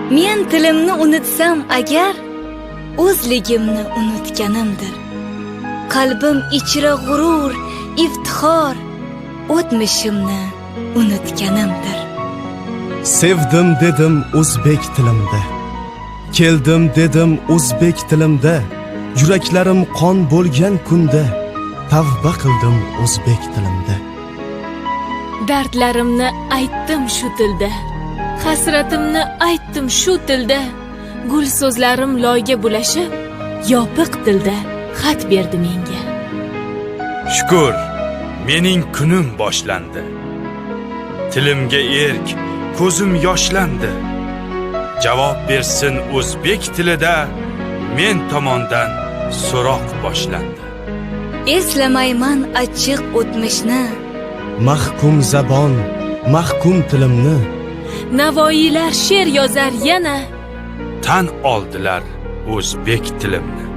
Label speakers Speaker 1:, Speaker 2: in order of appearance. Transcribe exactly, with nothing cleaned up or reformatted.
Speaker 1: Men tilimni unutsam agar, o'zligimni unutganimdir. Qalbim ichra g'urur, iftixor, o'tmishimni unutganimdir.
Speaker 2: Sevdim dedim o'zbek tilimda, keldim dedim o'zbek tilimda, yuraklarim qon bo'lgan kunda tavba qildim o'zbek tilimda.
Speaker 3: Dardlarimni aytdim shu tilda, hasratimni aytdim shu tilda, gul so'zlarim loyga bulashib, yopiq tilda xat berdi menga.
Speaker 4: Shukr, mening kunim boshlandi. Tilimga erk, ko'zim yoshlandi. Javob bersin o'zbek tilida, men tomondan so'roq boshlandi.
Speaker 1: Eslamayman achchiq o'tmishni,
Speaker 2: Mahkum zabon, mahkum tilimni,
Speaker 3: Navoiylar she'r yozar yana,
Speaker 4: Tan oldilar o'zbek tilimni.